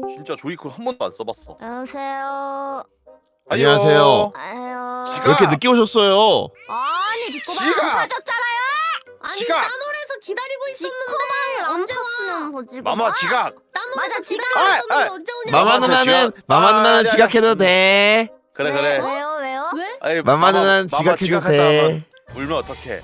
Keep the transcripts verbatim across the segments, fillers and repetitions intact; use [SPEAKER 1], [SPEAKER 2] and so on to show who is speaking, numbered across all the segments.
[SPEAKER 1] 진짜 조이콘 한 번도 안 써봤어.
[SPEAKER 2] 안녕하세요.
[SPEAKER 3] 안녕하세요.
[SPEAKER 2] 아유.
[SPEAKER 1] 지가-
[SPEAKER 3] 왜 이렇게 늦게 오셨어요?
[SPEAKER 2] 아니 디코방
[SPEAKER 1] 지가-
[SPEAKER 2] 안 가졌잖아요. 아니
[SPEAKER 1] 지가-
[SPEAKER 2] 따놀에서 기다리고 있었는데 언제 탔으면서 지금.
[SPEAKER 1] 마마 지각.
[SPEAKER 2] 맞아 지각.
[SPEAKER 1] 아, 아.
[SPEAKER 2] 있었는데 언제 오냐?
[SPEAKER 3] 마마
[SPEAKER 1] 아,
[SPEAKER 3] 누나는
[SPEAKER 1] 지각-
[SPEAKER 3] 마마
[SPEAKER 1] 아,
[SPEAKER 3] 누나는
[SPEAKER 1] 아니,
[SPEAKER 3] 지각해도 돼.
[SPEAKER 1] 그래
[SPEAKER 2] 왜,
[SPEAKER 1] 그래.
[SPEAKER 2] 왜요 왜요? 왜?
[SPEAKER 1] 아니,
[SPEAKER 3] 마마 누나는
[SPEAKER 1] 마마
[SPEAKER 3] 지각해도
[SPEAKER 1] 지각했다
[SPEAKER 3] 돼.
[SPEAKER 1] 하면 울면 어떡해?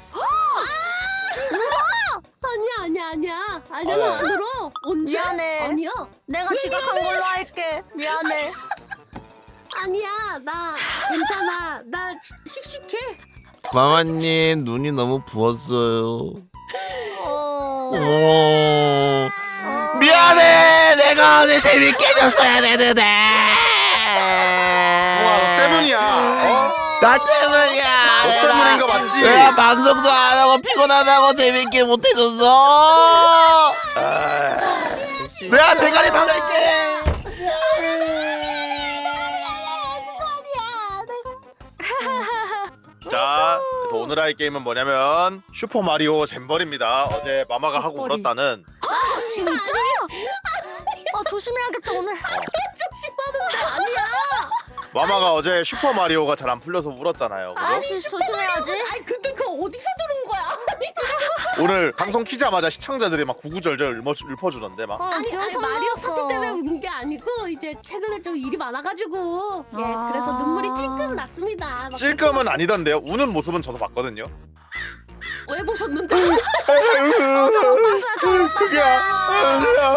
[SPEAKER 4] 아니야 아니야 아니야 아니야
[SPEAKER 1] 아,
[SPEAKER 4] 나 안 울어. 언제?
[SPEAKER 2] 미안해.
[SPEAKER 4] 아니야
[SPEAKER 2] 내가 지각한 걸로 할게. 미안해.
[SPEAKER 4] 아니야 나 괜찮아 나 시- 씩씩해.
[SPEAKER 3] 마마님 눈이 너무 부었어요.
[SPEAKER 2] 어.
[SPEAKER 3] 오.
[SPEAKER 2] 어.
[SPEAKER 3] 미안해. 내가 오늘 재밌게 해줬어야 되는데.
[SPEAKER 1] 우와 너 때문이야. 어?
[SPEAKER 3] 나 때문이야.
[SPEAKER 1] 너 때문인 거 맞지?
[SPEAKER 3] 내가 방송도 안 하고 피곤하다고 재밌게 못 해줬어.
[SPEAKER 1] 아,
[SPEAKER 3] 내가 대가리 박을게.
[SPEAKER 1] 자, 그래서 오늘 할 게임은 뭐냐면 슈퍼 마리오 잼벌입니다. 어제 마마가 하고
[SPEAKER 4] 잼벌이.
[SPEAKER 1] 울었다는.
[SPEAKER 2] 진짜? 아 조심해야겠다 오늘.
[SPEAKER 4] 조심하는데 아니야.
[SPEAKER 1] 마마가 어제 슈퍼 마리오가 잘 안 풀려서 울었잖아요. 그죠?
[SPEAKER 2] 아니 조심해야지.
[SPEAKER 4] 아니 근데 그거 어디서 들은 거야?
[SPEAKER 1] 오늘 방송 키자마자 시청자들이 막 구구절절 읊어, 읊어주던데 막.
[SPEAKER 2] 어,
[SPEAKER 4] 아니
[SPEAKER 2] 지원
[SPEAKER 4] 아니 마리오
[SPEAKER 2] 선배였어.
[SPEAKER 4] 파티 때문에 우는 게 아니고 이제 최근에 좀 일이 많아가지고 예
[SPEAKER 2] 아.
[SPEAKER 4] 그래서 눈물이 찔끔 났습니다. 막
[SPEAKER 1] 찔끔은 아니던데요. 우는 모습은 저도 봤거든요.
[SPEAKER 4] 왜 보셨는데?
[SPEAKER 2] 어, 저 못 봤어요. 저 못
[SPEAKER 1] 그게
[SPEAKER 2] 봤어요.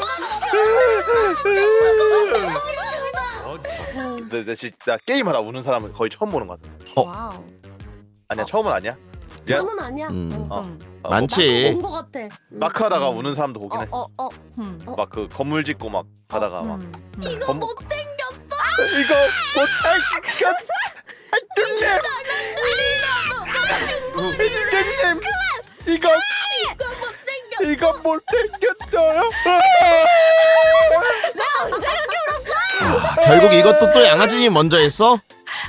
[SPEAKER 1] 근데 내 진짜 게임하다 우는 사람은 거의 처음 보는 것 같아.
[SPEAKER 3] 어.
[SPEAKER 2] 와우.
[SPEAKER 1] 아니야 처음은 아니야. 미안.
[SPEAKER 4] 저는 아니야.
[SPEAKER 3] 음.
[SPEAKER 1] 어.
[SPEAKER 2] 음.
[SPEAKER 1] 어,
[SPEAKER 3] 많지.
[SPEAKER 4] 본거 같아.
[SPEAKER 1] 마크 하다가 우는 사람도 보긴 했어.
[SPEAKER 2] 어, 어, 어. 음.
[SPEAKER 1] 막 그 건물 짓고 막 가다가 막
[SPEAKER 2] 음. 음.
[SPEAKER 4] 이거
[SPEAKER 1] 검-
[SPEAKER 4] 못생겼어.
[SPEAKER 1] 이거 못할것 하여튼님 하여튼님 이거 이거 못생겼어요.
[SPEAKER 3] 결국 이것도 또 양아진이 먼저 했어?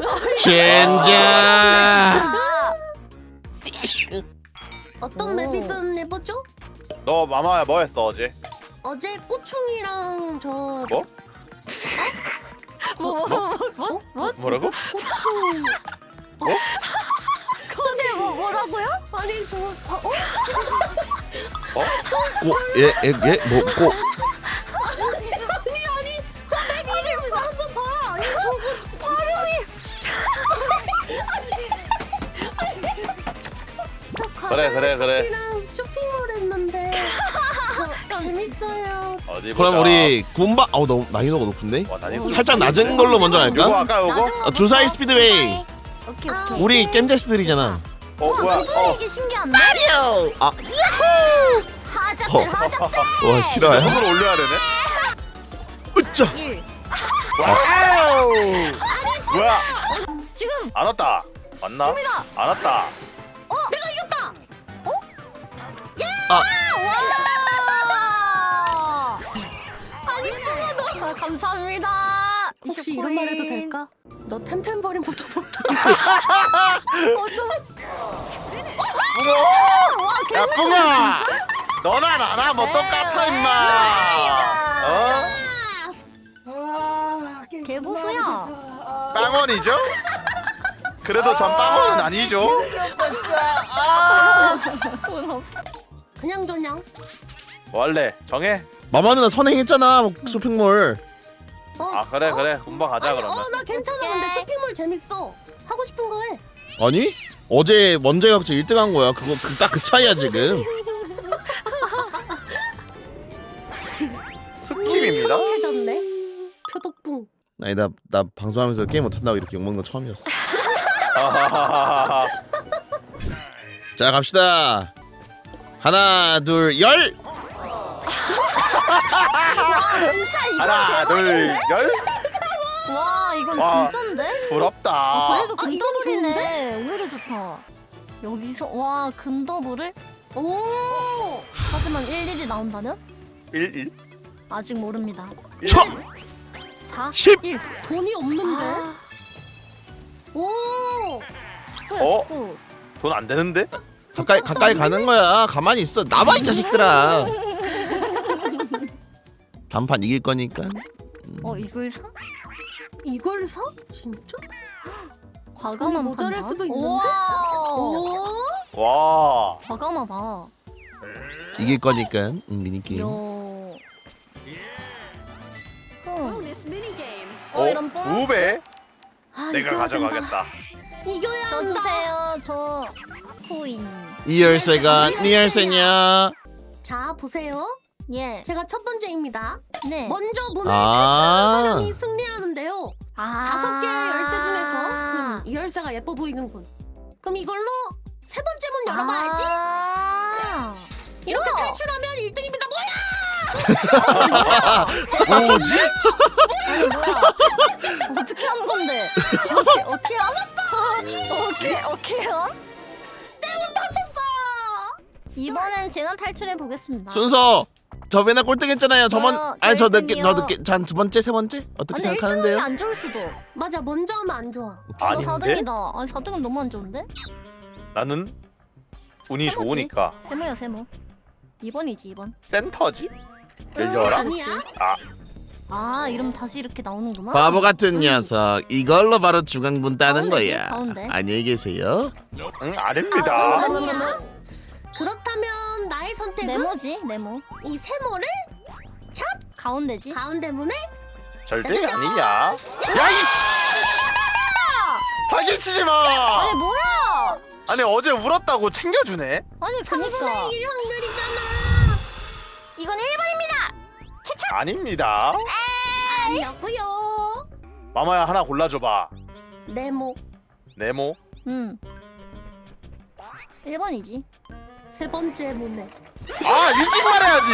[SPEAKER 3] 젠장.
[SPEAKER 2] 진짜.
[SPEAKER 4] 어떤
[SPEAKER 2] 오.
[SPEAKER 4] 맵이든 해보죠.
[SPEAKER 1] 너 마마야 뭐 했어 어제?
[SPEAKER 4] 어제 꼬충이랑 저
[SPEAKER 1] 뭐?
[SPEAKER 2] 뭐, 뭐, 뭐, 뭐, 뭐?
[SPEAKER 1] 뭐라고?
[SPEAKER 4] 꼬충
[SPEAKER 2] 근데 뭐 뭐라고요?
[SPEAKER 4] 아니 저 어?
[SPEAKER 1] 어?
[SPEAKER 3] 꼬, 예, 예, 예, 뭐, 꼬.
[SPEAKER 4] 아니 아니 저내 이름 이거 한번 봐. 아니 저거 발음이 저
[SPEAKER 1] 그래, 그래, 그래.
[SPEAKER 4] 이랑 쇼핑몰 했는데 저 재밌어요.
[SPEAKER 1] 어디 보자.
[SPEAKER 3] 그럼 우리 군바, 어우 너무 난이도가 높은데?
[SPEAKER 1] 와, 난이도
[SPEAKER 3] 살짝 낮은 걸로 먼저
[SPEAKER 1] 요거
[SPEAKER 3] 할까?
[SPEAKER 1] 아까 요거?
[SPEAKER 2] 낮은
[SPEAKER 3] 어,
[SPEAKER 2] 거부터?
[SPEAKER 3] 주사위 스피드웨이.
[SPEAKER 2] 오케이
[SPEAKER 4] 아,
[SPEAKER 2] 오케이.
[SPEAKER 3] 우리 겜제스들이잖아.
[SPEAKER 1] 어 뭐야?
[SPEAKER 2] 저도
[SPEAKER 1] 어.
[SPEAKER 2] 이게 신기한데?
[SPEAKER 3] 아,
[SPEAKER 2] 하자들
[SPEAKER 3] 어.
[SPEAKER 2] 하자들.
[SPEAKER 3] 와 싫어요?
[SPEAKER 1] 손으로 올려야 되네.
[SPEAKER 3] 으짜.
[SPEAKER 2] 일.
[SPEAKER 1] 와우. 뭐야?
[SPEAKER 2] 지금
[SPEAKER 1] 안 왔다. 왔나?
[SPEAKER 2] 지금이다.
[SPEAKER 1] 안 왔다.
[SPEAKER 2] 내가 이겼다. 어?
[SPEAKER 3] 아,
[SPEAKER 2] 와. 아니 아, 감사합니다.
[SPEAKER 4] 혹시 이런 말 해도 될까? 너 템템버린보다 못하.
[SPEAKER 2] 어쩜?
[SPEAKER 1] 뿡아. 야 뿡아. 너나 나나 뭐 똑같아 임마. 어?
[SPEAKER 2] 개고수야.
[SPEAKER 1] 빵원이죠? 그래도 전 빵원은 아니죠.
[SPEAKER 2] 돈 없어.
[SPEAKER 4] 그냥 저냥.
[SPEAKER 1] 뭐 할래? 정해.
[SPEAKER 3] 마마 누나 선행했잖아 쇼핑몰.
[SPEAKER 4] 어?
[SPEAKER 1] 아 그래 그래 금방 가자
[SPEAKER 4] 아니
[SPEAKER 1] 그러면.
[SPEAKER 4] 어나 괜찮아. 근데
[SPEAKER 2] 오케이.
[SPEAKER 4] 쇼핑몰 재밌어. 하고 싶은 거 해.
[SPEAKER 3] 아니? 어제 먼저 해갖고 일 등 한 거야. 그거 그, 딱 그 차이야 지금.
[SPEAKER 1] 스킵입니다.
[SPEAKER 4] 해졌네. 표독붕.
[SPEAKER 3] 아니 나, 나 방송하면서 게임 못한다고 이렇게 욕먹는 거 처음이었어. 자 갑시다. 하나 둘 열.
[SPEAKER 2] 아 진짜 이거
[SPEAKER 1] 하나 둘
[SPEAKER 2] 대박인데?
[SPEAKER 1] 열.
[SPEAKER 2] 와 이건
[SPEAKER 1] 와.
[SPEAKER 2] 진짠데?
[SPEAKER 1] 부럽다.
[SPEAKER 2] 그래도
[SPEAKER 4] 아, 이건
[SPEAKER 2] 금더블이네. 오히려 좋다. 여기서 와 금더블을?
[SPEAKER 4] 오.
[SPEAKER 2] 하지만 일일이 나온다면?
[SPEAKER 1] 일 일.
[SPEAKER 2] 아직 모릅니다.
[SPEAKER 3] 첫
[SPEAKER 2] 사,
[SPEAKER 3] 십.
[SPEAKER 2] 일.
[SPEAKER 4] 돈이 없는데.
[SPEAKER 2] 아. 오. 십구야
[SPEAKER 1] 어?
[SPEAKER 2] 십구.
[SPEAKER 1] 돈 안 되는데?
[SPEAKER 3] 가까이 가까이 가는 거야. 가만히 있어. 나봐 이 자식들아. 단판 이길 거니까.
[SPEAKER 2] 어 이걸 사?
[SPEAKER 4] 이걸 사? 진짜?
[SPEAKER 2] 과감한
[SPEAKER 4] 모자랄
[SPEAKER 2] 판단.
[SPEAKER 4] 수도 있는데?
[SPEAKER 2] 우와.
[SPEAKER 4] 오.
[SPEAKER 1] 와.
[SPEAKER 2] 과감하다.
[SPEAKER 3] 이길 거니까 음, 미니게임.
[SPEAKER 2] 요. 흠.
[SPEAKER 1] 어,
[SPEAKER 2] 어 이런 뽕.
[SPEAKER 1] 두 배?
[SPEAKER 4] 아,
[SPEAKER 1] 내가
[SPEAKER 4] 이겨야
[SPEAKER 1] 가져가겠다.
[SPEAKER 4] 된다. 이겨야
[SPEAKER 2] 저
[SPEAKER 4] 한다.
[SPEAKER 2] 주세요. 저 코인.
[SPEAKER 3] 이 열쇠가 네 열쇠냐?
[SPEAKER 4] 자 보세요.
[SPEAKER 2] 예.
[SPEAKER 4] 제가 첫 번째입니다.
[SPEAKER 2] 네.
[SPEAKER 4] 먼저 문을
[SPEAKER 3] 아.
[SPEAKER 4] 탈출하는 사람이 승리하는데요.
[SPEAKER 2] 아.
[SPEAKER 4] 다섯 개의 열쇠 중에서 음, 이 열쇠가 예뻐 보이는 분. 그럼 이걸로 세 번째 문 열어봐야지.
[SPEAKER 2] 아.
[SPEAKER 4] 이렇게
[SPEAKER 2] 우와.
[SPEAKER 4] 탈출하면 일 등입니다. 뭐야?
[SPEAKER 1] 뭐지?
[SPEAKER 2] 아니 뭐야? 어떻게 한 건데? 어떻게 어떻게 알았어? 어떻게 어떻게 한? 이번엔 제가 탈출해 보겠습니다.
[SPEAKER 3] 순서 저 맨날 꼴등했잖아요. 저번
[SPEAKER 2] 저-
[SPEAKER 3] 아니 저
[SPEAKER 2] 저
[SPEAKER 3] 늦게
[SPEAKER 2] 일
[SPEAKER 3] 저
[SPEAKER 2] 등이요.
[SPEAKER 3] 늦게 잔 두 번째 세 번째 어떻게
[SPEAKER 2] 근데 일 등이
[SPEAKER 3] 생각하는데요?
[SPEAKER 2] 안 좋을 수도.
[SPEAKER 4] 맞아. 먼저 하면 안 좋아.
[SPEAKER 2] 이거
[SPEAKER 1] 아닌데?
[SPEAKER 2] 사 등이다. 아니 사 등은 너무 안 좋은데?
[SPEAKER 1] 나는 운이
[SPEAKER 2] 세모지?
[SPEAKER 1] 좋으니까
[SPEAKER 2] 세모야 세모. 이 번이지 이 번.
[SPEAKER 1] 센터지? 열려라?
[SPEAKER 4] 아니야.
[SPEAKER 1] 아,
[SPEAKER 2] 아 이러면 다시 이렇게 나오는구나.
[SPEAKER 3] 바보 같은 녀석. 이걸로 바로 중앙분 따는
[SPEAKER 2] 가운데지,
[SPEAKER 3] 거야.
[SPEAKER 2] 가운데.
[SPEAKER 3] 안녕히 계세요.
[SPEAKER 1] 응,
[SPEAKER 4] 아,
[SPEAKER 1] 아닙니다.
[SPEAKER 4] 아니야. 그렇다면 나의 선택은
[SPEAKER 2] 네모지 네모.
[SPEAKER 4] 이 세모를
[SPEAKER 2] 가운데지.
[SPEAKER 4] 가운데 문에
[SPEAKER 1] 절대
[SPEAKER 4] 짜자잔.
[SPEAKER 1] 아니냐? 야, 이씨! 사기치지 마!
[SPEAKER 2] 아니 뭐야?
[SPEAKER 1] 아니, 어제 울었다고 챙겨주네?
[SPEAKER 2] 아니 그니까
[SPEAKER 4] 삼분의 일 확률이잖아.
[SPEAKER 2] 이건 일 번입니다.
[SPEAKER 1] 아닙니다.
[SPEAKER 4] 아니었고요.
[SPEAKER 1] 마마야, 하나 골라줘봐.
[SPEAKER 4] 네모
[SPEAKER 1] 네모.
[SPEAKER 2] 음. 일 번이지.
[SPEAKER 4] 세 번째 문에
[SPEAKER 1] 아, 일찍 말해야지!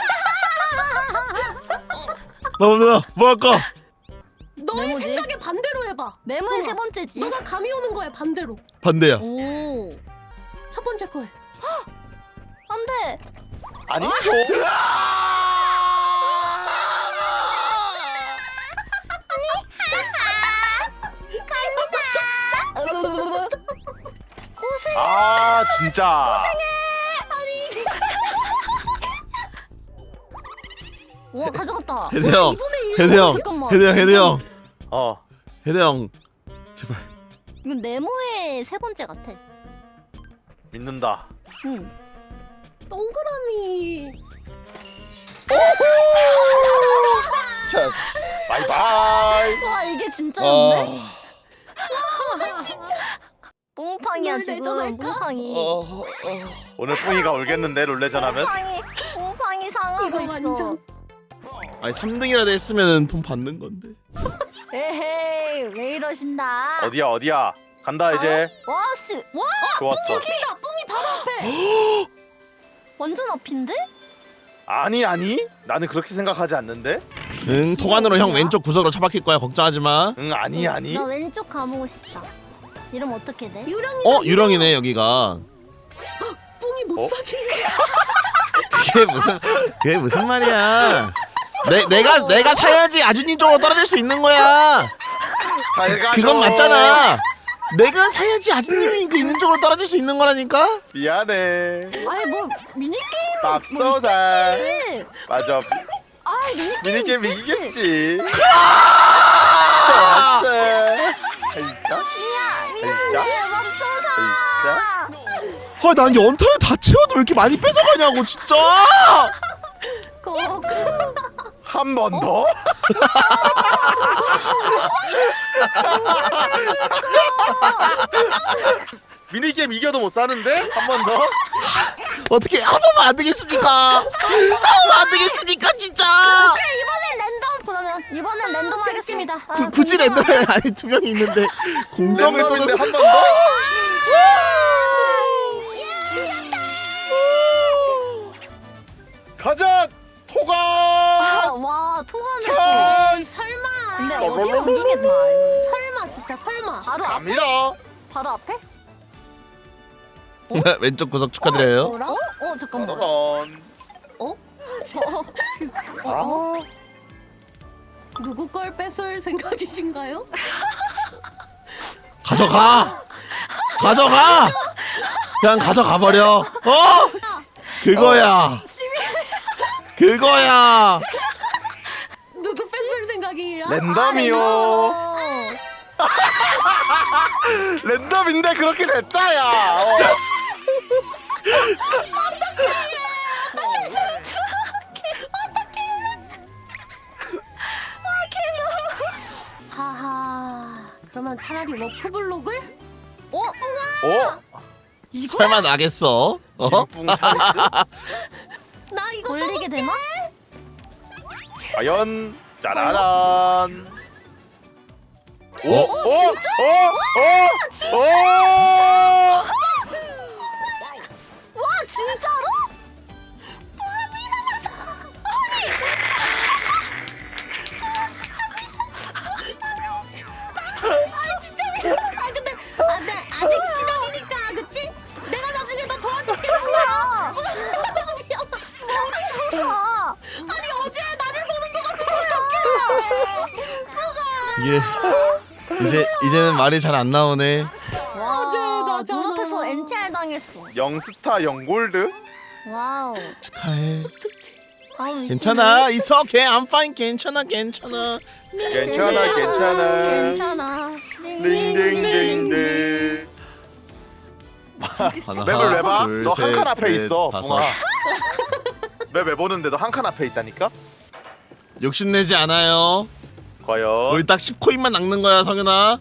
[SPEAKER 3] 뭐 뭐야 뭐 할까?
[SPEAKER 4] 너의
[SPEAKER 2] 네모지?
[SPEAKER 4] 생각에 반대로 해봐.
[SPEAKER 2] 네모의
[SPEAKER 4] 우와.
[SPEAKER 2] 세 번째지.
[SPEAKER 4] 누가 감이 오는 거야 반대로.
[SPEAKER 3] 반대야.
[SPEAKER 2] 오.
[SPEAKER 4] 첫 번째 거에.
[SPEAKER 2] 안돼.
[SPEAKER 1] 아니죠.
[SPEAKER 2] 고생.
[SPEAKER 1] 아, 진짜.
[SPEAKER 2] 와 가져갔다.
[SPEAKER 3] 헤드 형.
[SPEAKER 4] 이분의 일.
[SPEAKER 3] 헤드 형.
[SPEAKER 2] 잠깐만.
[SPEAKER 3] 헤드 형. 헤드 형.
[SPEAKER 1] 어,
[SPEAKER 3] 헤드 형. 제발.
[SPEAKER 2] 이건 네모의 세 번째 같아.
[SPEAKER 1] 믿는다.
[SPEAKER 2] 응.
[SPEAKER 4] 동그라미.
[SPEAKER 1] 진짜. 바이바이.
[SPEAKER 2] 와 이게 진짜였네.
[SPEAKER 3] 어.
[SPEAKER 2] 뽕팡이야
[SPEAKER 4] 롤
[SPEAKER 2] 지금.
[SPEAKER 4] 내전할까?
[SPEAKER 2] 뽕팡이.
[SPEAKER 3] 어. 어.
[SPEAKER 1] 오늘 뿡이가 울겠는데, 롤레전 하면?
[SPEAKER 2] 뽕팡이. 뽕팡이 상하고
[SPEAKER 4] 이거
[SPEAKER 2] 있어.
[SPEAKER 4] 완전.
[SPEAKER 3] 아니 삼 등이라도 했으면 돈 받는 건데.
[SPEAKER 2] 에헤이 왜 이러신다.
[SPEAKER 1] 어디야, 어디야? 간다, 이제.
[SPEAKER 2] 와씨 와
[SPEAKER 1] 좋았어.
[SPEAKER 4] 뿡이다. 뿡이 바로 앞에.
[SPEAKER 2] 완전 앞인데?
[SPEAKER 1] 아니, 아니. 나는 그렇게 생각하지 않는데?
[SPEAKER 3] 응 통안으로 형 왼쪽 구석으로 처박힐 거야. 걱정하지 마.
[SPEAKER 1] 응, 아니, 아니.
[SPEAKER 2] 나 왼쪽 가보고 싶다. 이름 어떻게 돼?
[SPEAKER 4] 유령이.
[SPEAKER 3] 어 유령이네 여기가.
[SPEAKER 4] 뿡이 못
[SPEAKER 1] 어?
[SPEAKER 4] 사게.
[SPEAKER 3] 그게 무슨 그게 무슨 말이야? 내 내가 내가 사야지 아주님 쪽으로 떨어질 수 있는 거야.
[SPEAKER 1] 잘 가죠.
[SPEAKER 3] 그건 맞잖아. 내가 사야지 아주님이 그 있는 쪽으로 떨어질 수 있는 거라니까.
[SPEAKER 1] 미안해.
[SPEAKER 2] 아니 뭐 미니게임
[SPEAKER 1] 맙소사.
[SPEAKER 2] 지
[SPEAKER 1] 맞아.
[SPEAKER 2] 아 미니게임
[SPEAKER 1] 미니게임
[SPEAKER 2] 있겠지.
[SPEAKER 1] 이기겠지. 좋았어. 진짜? 진짜?
[SPEAKER 2] 맙소사.
[SPEAKER 1] 진짜?
[SPEAKER 3] 아, 난 연탄을 다 채워도 왜 이렇게 많이 뺏어가냐고 진짜.
[SPEAKER 4] 꼭.
[SPEAKER 1] 한 번 더? 미니게임 이겨도 못 사는데? 한 번 더?
[SPEAKER 3] 어떻게 한 번만 안 되겠습니까? 한 번만 안 되겠습니까 진짜.
[SPEAKER 2] 이번엔 랜덤 그러면 이번엔 랜덤 하겠습니다. 아,
[SPEAKER 3] 그, 굳이
[SPEAKER 2] 잠시만.
[SPEAKER 3] 랜덤에 아니 두 명이 있는데 공정을
[SPEAKER 1] 랜덤인데
[SPEAKER 3] 떠나서
[SPEAKER 1] 한 번 더? 가자! 토가!
[SPEAKER 2] 아, 와 투하네.
[SPEAKER 1] 찬스!
[SPEAKER 4] 설마.
[SPEAKER 2] 근데 어디로 옮기겠나? 이거.
[SPEAKER 4] 설마 진짜 설마.
[SPEAKER 2] 바로 앞에?
[SPEAKER 1] 갑니다.
[SPEAKER 2] 바로 앞에?
[SPEAKER 3] 왼쪽 구석 축하드려요.
[SPEAKER 2] 어? 어 잠깐만.
[SPEAKER 1] 짜라란.
[SPEAKER 2] 어?
[SPEAKER 1] 아,
[SPEAKER 2] 어?
[SPEAKER 4] 누구 걸 뺏을 생각이신가요?
[SPEAKER 3] 가져가. 가져가. 그냥 가져가 버려. 어? 그거야. 그거야.
[SPEAKER 4] 갑자기?
[SPEAKER 1] 랜덤이요.
[SPEAKER 2] 어.
[SPEAKER 1] 랜덤인데 그렇게 됐다야. 어.
[SPEAKER 4] 하하. 그러면 차라리 워프블록을? 어?
[SPEAKER 1] 어?
[SPEAKER 4] 이거?
[SPEAKER 3] 설마 나겠어? 어?
[SPEAKER 1] 김뿡 찬스?
[SPEAKER 4] 나 이거
[SPEAKER 2] 돌리게 되나?
[SPEAKER 1] 과연 짜라란. 오?
[SPEAKER 3] 어?
[SPEAKER 1] 오? 오? 오? 오?
[SPEAKER 4] 와 진짜로? 아 진짜 미안하다. 아 근데 아, 근데 아직 시작이니까 그치? 내가 나중에 너 도와줄게. 뭐야?
[SPEAKER 2] 무서워.
[SPEAKER 4] 아니 어제 나를 보는 거 같은 어떡해?
[SPEAKER 3] 이게 이제 이제는 말이 잘 안 나오네.
[SPEAKER 2] 와,
[SPEAKER 4] 어제 나잖아.
[SPEAKER 2] 눈앞에서 엔티알 당했어.
[SPEAKER 1] 영스타 영골드?
[SPEAKER 2] 와우.
[SPEAKER 3] 축하해.
[SPEAKER 2] 아우,
[SPEAKER 3] 괜찮아. It's okay. I'm fine. 괜찮아. 괜찮아.
[SPEAKER 1] 괜찮아 괜찮아.
[SPEAKER 2] 괜찮아.
[SPEAKER 1] 링링링링.
[SPEAKER 3] 하나,
[SPEAKER 1] 맵을 왜 봐?
[SPEAKER 3] 둘,
[SPEAKER 1] 너 한
[SPEAKER 3] 셋,
[SPEAKER 1] 칸 앞에
[SPEAKER 3] 넷,
[SPEAKER 1] 있어.
[SPEAKER 3] 다섯.
[SPEAKER 1] 붕아. 맵 왜 보는데 너 한 칸 앞에 있다니까?
[SPEAKER 3] 욕심내지 않아요.
[SPEAKER 1] 과연
[SPEAKER 3] 우리 딱 십 코인만 낚는 거야, 성현아.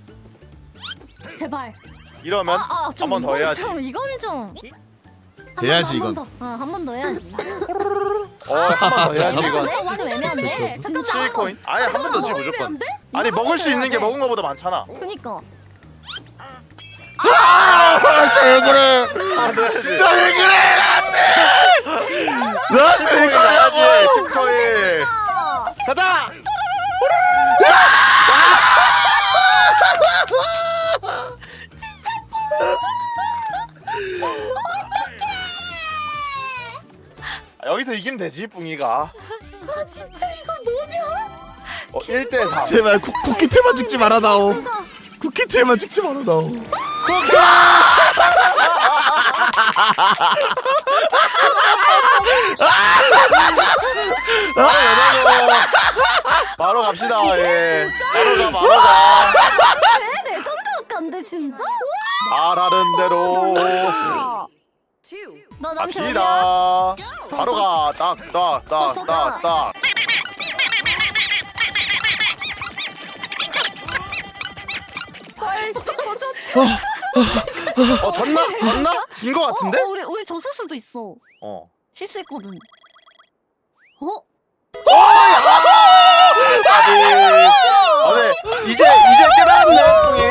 [SPEAKER 4] 제발.
[SPEAKER 1] 이러면
[SPEAKER 2] 아, 아,
[SPEAKER 1] 한 번 더 해야지.
[SPEAKER 2] 좀 이건 좀.
[SPEAKER 3] 해야지,
[SPEAKER 2] 한 번
[SPEAKER 3] 이건.
[SPEAKER 2] 더. 어, 한 번 더 해야지.
[SPEAKER 1] 어, 한 번 더 해야지 이거.
[SPEAKER 2] 애매한데? 좀 애매한데?
[SPEAKER 4] 잠깐만.
[SPEAKER 1] 칠 코인? 아니 한 번 더 지 무조건.
[SPEAKER 4] 안 돼?
[SPEAKER 1] 아니
[SPEAKER 2] 이거
[SPEAKER 1] 먹을 수
[SPEAKER 2] 해야
[SPEAKER 1] 있는 게
[SPEAKER 2] 돼.
[SPEAKER 1] 먹은 거보다 많잖아.
[SPEAKER 2] 그니까.
[SPEAKER 3] 진짜 왜 그래?
[SPEAKER 1] 아, 돼야지.
[SPEAKER 3] 진짜 왜 그래? 나한테! 나한테
[SPEAKER 1] 십 코인
[SPEAKER 3] 이거
[SPEAKER 1] 가야지.
[SPEAKER 3] 하냐고!
[SPEAKER 1] 십 코인.
[SPEAKER 2] 아,
[SPEAKER 1] 가자. 아, 여기서 이기면 되지 뿡이가.
[SPEAKER 4] 아 진짜 이거 뭐냐?
[SPEAKER 1] 어, 일 대 삼.
[SPEAKER 3] 제발 쿠, 쿠키틀만 찍지 말아다오.
[SPEAKER 2] 그래서
[SPEAKER 3] 쿠키틀만 찍지 말아다오.
[SPEAKER 1] 바로 갑시다. 예. 바로 가 바로 가.
[SPEAKER 2] 내 레전드 같은데 진짜?
[SPEAKER 1] 말하는 대로
[SPEAKER 2] 아. 너 남편 어디야?
[SPEAKER 1] 갑시다. 바로 가. 딱딱딱딱딱. 어 졌나? 졌나? 진 거 같은데?
[SPEAKER 2] 어, 어, 우리 우리 졌을 수도 있어.
[SPEAKER 1] 어.
[SPEAKER 2] 실수했거든. 어?
[SPEAKER 1] 아비. 아, 네. 이제 이제 깨달았네. 뿡이.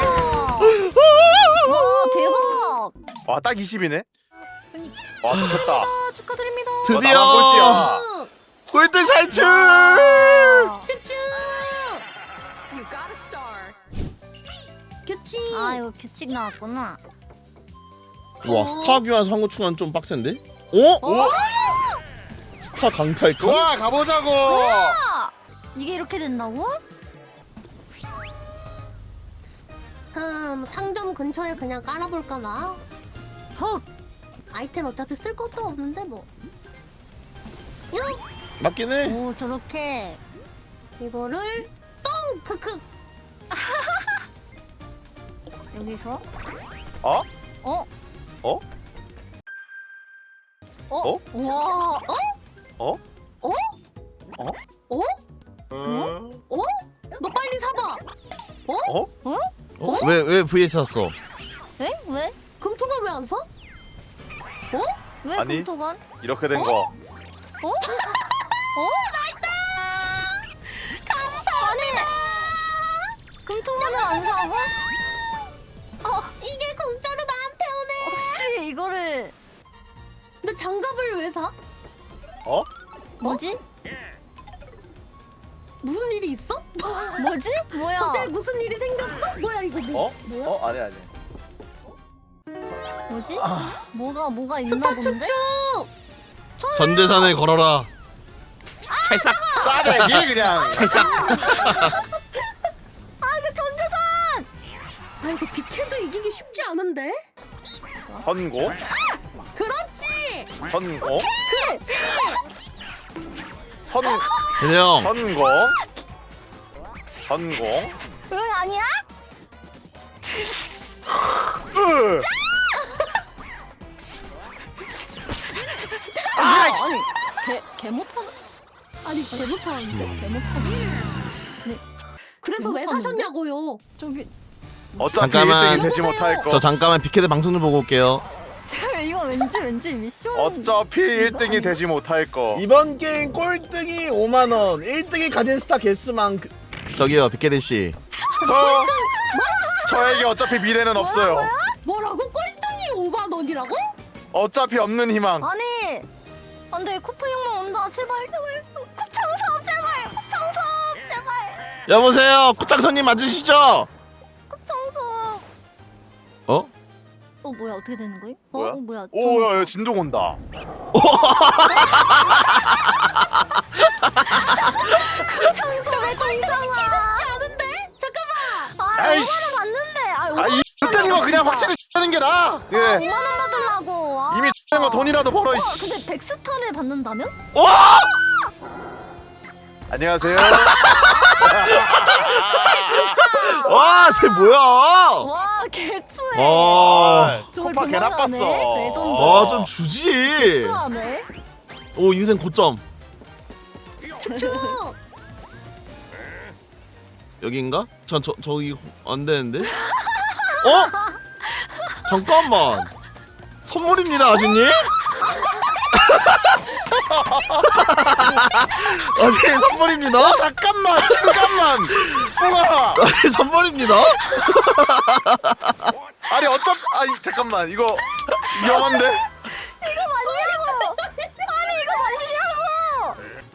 [SPEAKER 2] 와 대박.
[SPEAKER 1] 와, 딱 이십이네.
[SPEAKER 2] 그니까.
[SPEAKER 1] 와, 좋겠다.
[SPEAKER 2] 아, 축하드립니다.
[SPEAKER 1] 어,
[SPEAKER 3] 드디어
[SPEAKER 1] 나만 꼴찌야.
[SPEAKER 3] 꼴등 탈출!
[SPEAKER 2] 츄츄. 규칙. 아 이거 규칙 나왔구나.
[SPEAKER 3] 와, 스타 교환 상호 충환 좀 빡센데? 어?
[SPEAKER 1] 오,
[SPEAKER 3] 스타 강탈 칸?
[SPEAKER 1] 좋아, 가보자고.
[SPEAKER 2] 아, 이게 이렇게 된다고?
[SPEAKER 4] 음 상점 근처에 그냥 깔아볼까나?
[SPEAKER 2] 헉.
[SPEAKER 4] 아이템 어차피 쓸 것도 없는데 뭐.
[SPEAKER 3] 맞긴 해.
[SPEAKER 2] 오 저렇게
[SPEAKER 4] 이거를
[SPEAKER 2] 똥 크크. 여기서
[SPEAKER 1] 어?
[SPEAKER 2] 어?
[SPEAKER 1] 어?
[SPEAKER 2] 어?
[SPEAKER 1] 어?
[SPEAKER 2] 와. 어?
[SPEAKER 1] 어?
[SPEAKER 2] 어?
[SPEAKER 1] 어?
[SPEAKER 2] 어?
[SPEAKER 1] 음.
[SPEAKER 4] 어? 너 빨리 사봐.
[SPEAKER 1] 어?
[SPEAKER 3] 어? 왜, 왜 브이에스 샀어?
[SPEAKER 2] 에? 왜?
[SPEAKER 4] 금토가 왜 안 사?
[SPEAKER 2] 왜
[SPEAKER 1] 아니.
[SPEAKER 2] 금토관?
[SPEAKER 1] 이렇게 된 거.
[SPEAKER 2] 어? 어? 감사합니다. 아니 금토관을 안 사고?
[SPEAKER 4] 어 이게 공짜로 나한테 오네.
[SPEAKER 2] 혹시 이거를
[SPEAKER 4] 근데 장갑을 왜 사?
[SPEAKER 1] 어?
[SPEAKER 2] 뭐지?
[SPEAKER 4] 무슨 일이 있어?
[SPEAKER 2] 뭐지? 뭐야?
[SPEAKER 4] 갑자기 무슨 일이 생겼어? 뭐야 이거 뭐?
[SPEAKER 1] 어? 어? 아니 아니.
[SPEAKER 2] 뭐지?
[SPEAKER 1] 아.
[SPEAKER 2] 뭐가 뭐가 있나
[SPEAKER 4] 스타
[SPEAKER 2] 본데?
[SPEAKER 4] 축축.
[SPEAKER 3] 전 재산을 걸어라. 찰싹!
[SPEAKER 1] 싸대지 그냥.
[SPEAKER 3] 찰싹!
[SPEAKER 4] 아 이거 전재산. 아 이거 빅헤드 이기기 쉽지 않은데?
[SPEAKER 1] 선고?
[SPEAKER 4] 그렇지.
[SPEAKER 1] 선고?
[SPEAKER 4] 그렇지.
[SPEAKER 1] 선
[SPEAKER 3] 근데 형,
[SPEAKER 1] 선고? 성공.
[SPEAKER 2] 응 아니야?
[SPEAKER 1] 으.
[SPEAKER 2] 아, 아니 개, 개 못하는 아니 개 못하는데 개 못하는 네.
[SPEAKER 4] 그래서 왜
[SPEAKER 2] 못하는데?
[SPEAKER 4] 사셨냐고요?
[SPEAKER 2] 저기
[SPEAKER 1] 어차피
[SPEAKER 3] 잠깐만.
[SPEAKER 1] 일 등이 되지 못할 거.
[SPEAKER 3] 저 잠깐만 빅헤드 방송 좀 보고 올게요.
[SPEAKER 2] 이거 왠지 왠지 미션
[SPEAKER 1] 어차피 일 등이
[SPEAKER 2] 아니야?
[SPEAKER 1] 되지 못할 거.
[SPEAKER 3] 이번 게임 꼴등이 오만 원, 일 등이 가진 스타 개수만큼. 저기요 빅헤드 씨.
[SPEAKER 1] 저 저에게 어차피 미래는 없어요.
[SPEAKER 4] 뭐라고? 꼴등이 오만 원이라고?
[SPEAKER 1] 어차피 없는 희망.
[SPEAKER 2] 아니 안돼 쿠프 형만 온다 제발 제발 구창섭 제발 구창섭 제발
[SPEAKER 3] 여보세요 구창선님 맞으시죠?
[SPEAKER 2] 구창섭
[SPEAKER 3] 어?
[SPEAKER 2] 어 뭐야 어떻게 되는 거임?
[SPEAKER 1] 뭐야?
[SPEAKER 2] 어, 어 뭐야
[SPEAKER 1] 오, 야, 야, 진동 온다.
[SPEAKER 2] 구창섭의 정상아
[SPEAKER 4] 쉽지 않은데? 잠깐만.
[SPEAKER 2] 아
[SPEAKER 1] 아이씨.
[SPEAKER 2] 오만 원 받는데 아
[SPEAKER 1] 아, 이 X된 거 그냥 확실히 주는 게 나아. 예.
[SPEAKER 2] 오만 원 받으려고 아.
[SPEAKER 1] 이미 주는 거 돈이라도 벌어.
[SPEAKER 2] 와
[SPEAKER 1] 이씨.
[SPEAKER 2] 근데 백스타를 받는다면?
[SPEAKER 3] 와!
[SPEAKER 1] 안녕하세요.
[SPEAKER 3] 와, 쟤 뭐야?
[SPEAKER 2] 와 개추해
[SPEAKER 3] 아,
[SPEAKER 2] 저걸
[SPEAKER 1] 코파 개
[SPEAKER 2] 도망가네?
[SPEAKER 1] 나빴어.
[SPEAKER 2] 레전드.
[SPEAKER 3] 와, 좀 주지.
[SPEAKER 2] 개추하네
[SPEAKER 3] 오, 인생 고점.
[SPEAKER 4] 쭉.
[SPEAKER 3] 여기인가? 저, 저, 저기 안 되는데? 어? 잠깐만. 선물입니다, 아주님. 아주님 선물입니다.
[SPEAKER 1] 어, 잠깐만, 잠깐만. 뿡아.
[SPEAKER 3] 선물입니다.
[SPEAKER 1] 아니 어차피 아니 잠깐만 이거 위험한데.
[SPEAKER 2] 이거 맞냐고 아니 이거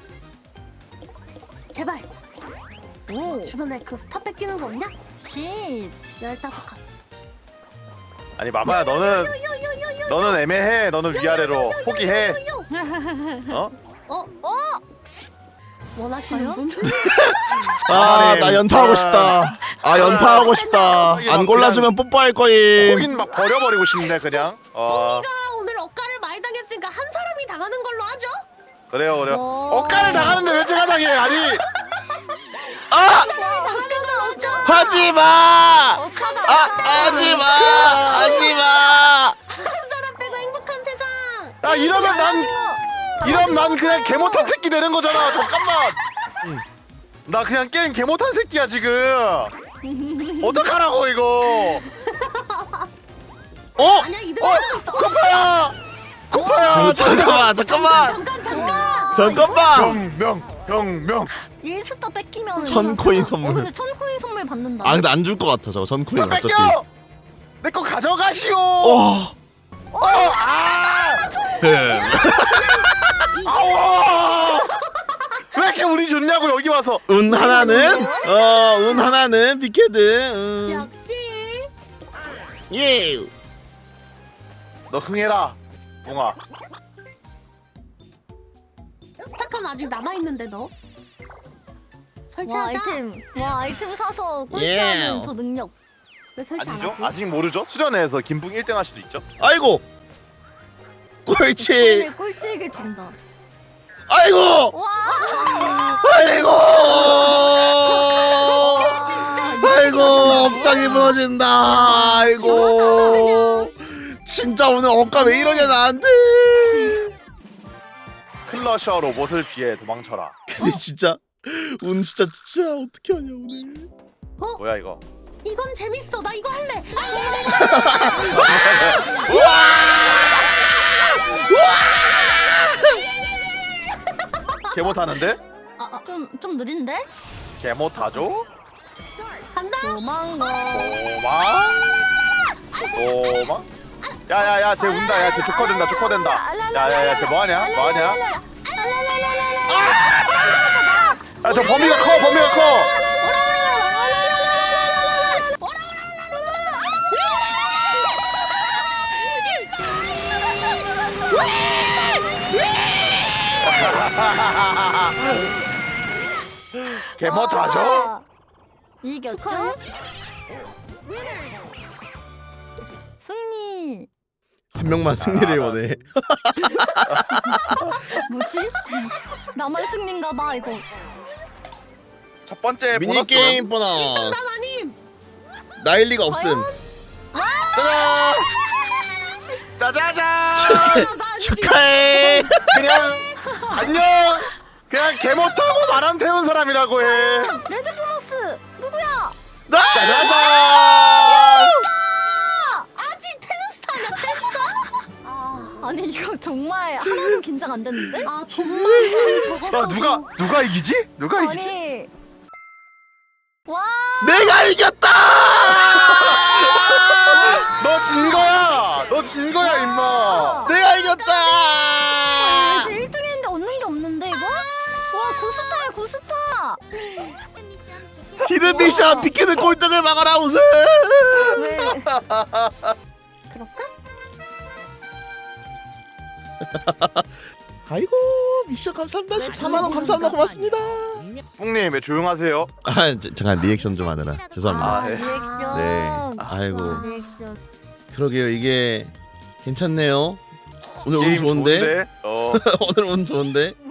[SPEAKER 2] 맞냐고
[SPEAKER 4] 제발.
[SPEAKER 2] 오
[SPEAKER 4] 주변에 그 스타 뺏기는 거 없냐?
[SPEAKER 2] 십
[SPEAKER 4] 열다섯 칸.
[SPEAKER 1] 아니 마마야 너는 너는 애매해. 너는 위아래로 포기해. 어?
[SPEAKER 4] 어?
[SPEAKER 2] 어?
[SPEAKER 4] 원하시는
[SPEAKER 2] 과연?
[SPEAKER 4] 분?
[SPEAKER 3] 아, 나 연타하고 싶다. 아, 연타하고 싶다. 안 골라주면 뽀뽀할 거임.
[SPEAKER 1] 거긴 막 버려버리고 싶네 그냥. 어
[SPEAKER 4] 가 오늘 억가를 많이 당했으니까 한 사람이 당하는 걸로 하죠?
[SPEAKER 1] 그래요 그래요.
[SPEAKER 2] 어.
[SPEAKER 1] 억가를 당하는데 왜 제가 당해? 아니
[SPEAKER 3] 아!
[SPEAKER 2] 어카다 어카
[SPEAKER 3] 하지 마!
[SPEAKER 2] 어카다
[SPEAKER 3] 아, 하지 마! 하지 마!
[SPEAKER 4] 한 사람 빼고 행복한 세상.
[SPEAKER 1] 야 이러면 난 이러면 난 그냥 개 못한 새끼 되는 거잖아. 잠깐만. 응. 나 그냥 게임 개 못한 새끼야 지금. 어떡하라고 이거.
[SPEAKER 3] 어?
[SPEAKER 4] 아니야 이등
[SPEAKER 1] 어
[SPEAKER 4] 할 수 있어.
[SPEAKER 1] 코파야. 코파야.
[SPEAKER 3] 잠깐만, 잠깐만.
[SPEAKER 4] 잠깐 잠깐.
[SPEAKER 3] 잠깐만.
[SPEAKER 1] 병명 병명.
[SPEAKER 2] 일 스타 뺏기면
[SPEAKER 3] 천 코인 선물.
[SPEAKER 2] 어 근데 천 코인 선물 받는다
[SPEAKER 3] 아, 근데 안 줄 것 같아, 저거. 전 코인
[SPEAKER 1] 나
[SPEAKER 3] 어차피.
[SPEAKER 1] 뺏겨. 내 거 가져가시오.
[SPEAKER 3] 어.
[SPEAKER 1] 어, 아!
[SPEAKER 3] 네.
[SPEAKER 1] 아워! 왜 이렇게 운이 좋냐고 여기 와서.
[SPEAKER 3] 운 하나는 어, 운 하나는 빅헤드. 음.
[SPEAKER 4] 역시.
[SPEAKER 3] 예.
[SPEAKER 1] 너 흥해라, 붕아.
[SPEAKER 4] 스타칸 아직 남아 있는데 너.
[SPEAKER 2] 와
[SPEAKER 4] 설치하자.
[SPEAKER 2] 아이템 와 아이템 사서
[SPEAKER 3] 예.
[SPEAKER 2] 꼴찌하는 저 능력
[SPEAKER 4] 왜 설치 안
[SPEAKER 1] 아니죠?
[SPEAKER 4] 하지?
[SPEAKER 1] 아직 모르죠? 수련회에서 김붕 일 등 할 수도 있죠.
[SPEAKER 3] 아이고. 꼴찌.
[SPEAKER 2] 코인을 꼴찌에게 준다
[SPEAKER 3] 아이고.
[SPEAKER 2] 와
[SPEAKER 3] 아이고. 아이고, 억장이 무너진다. 아이고. 진짜 오늘 억가 왜 이러냐 나한테.
[SPEAKER 1] 클러셔 로봇을 피해 도망쳐라.
[SPEAKER 3] 근데 진짜 운 진짜 진짜 어떻게 하냐 오늘.
[SPEAKER 1] 뭐야 이거?
[SPEAKER 4] 이건 재밌어. 나 이거 할래.
[SPEAKER 1] 개 못하는데?
[SPEAKER 2] 좀 좀 느린데?
[SPEAKER 1] 개 못하죠?
[SPEAKER 4] 간다.
[SPEAKER 2] 도망가
[SPEAKER 1] 도망? 도망? 야야야 쟤 운다. 야쟤 조커된다. 조커된다. 야야야 쟤 뭐하냐? 뭐하냐? 야 저 범위가 커. 범위가 커. 개 못하죠?
[SPEAKER 2] 아, 이겼죠? 승리
[SPEAKER 3] 한 명만 승리를 원해.
[SPEAKER 2] 뭐지? 나만 승리인가봐 이거
[SPEAKER 1] 첫 번째
[SPEAKER 3] 미니
[SPEAKER 1] 보너스.
[SPEAKER 3] 게임 보너스.
[SPEAKER 4] 아님.
[SPEAKER 3] 나일 리가 없음.
[SPEAKER 1] 짜잔. 짜자잔.
[SPEAKER 3] 축하해.
[SPEAKER 1] 그냥 안녕. 그냥 개 못하고 바람 태운 사람이라고 해.
[SPEAKER 2] 레드 보너스 누구야?
[SPEAKER 3] 나.
[SPEAKER 1] 짜자잔.
[SPEAKER 2] 아직 테스타냐 테스타? 아, 아니 이거 정말 하나도 긴장 안 됐는데?
[SPEAKER 4] 아 정말 저거.
[SPEAKER 1] 야, 누가 누가 이기지? 누가 이기지?
[SPEAKER 2] 아니 와
[SPEAKER 3] 내가 이겼다.
[SPEAKER 1] 너 진 거야. 너 진 거야 임마.
[SPEAKER 3] 내가 이겼다.
[SPEAKER 2] 제 일 등 했는데 얻는 게 없는데 이거? 와 구스타야 구스타.
[SPEAKER 3] 히든 미션 비키는 꼴등을 막아라 우승.
[SPEAKER 2] 왜?
[SPEAKER 4] 그럴까?
[SPEAKER 3] 아이고 미션 감사합니다. 십사만 원 감사합니다. 고맙습니다.
[SPEAKER 1] 뿡님 왜 조용하세요?
[SPEAKER 3] 아 저, 잠깐 리액션 좀 하느라 죄송합니다.
[SPEAKER 1] 아,
[SPEAKER 2] 아,
[SPEAKER 1] 네.
[SPEAKER 2] 리액션.
[SPEAKER 3] 네. 아이고
[SPEAKER 2] 리액션.
[SPEAKER 3] 그러게요 이게 괜찮네요. 오늘 운
[SPEAKER 1] 게임
[SPEAKER 3] 좋은데.
[SPEAKER 1] 어.
[SPEAKER 3] 오늘 운 좋은데.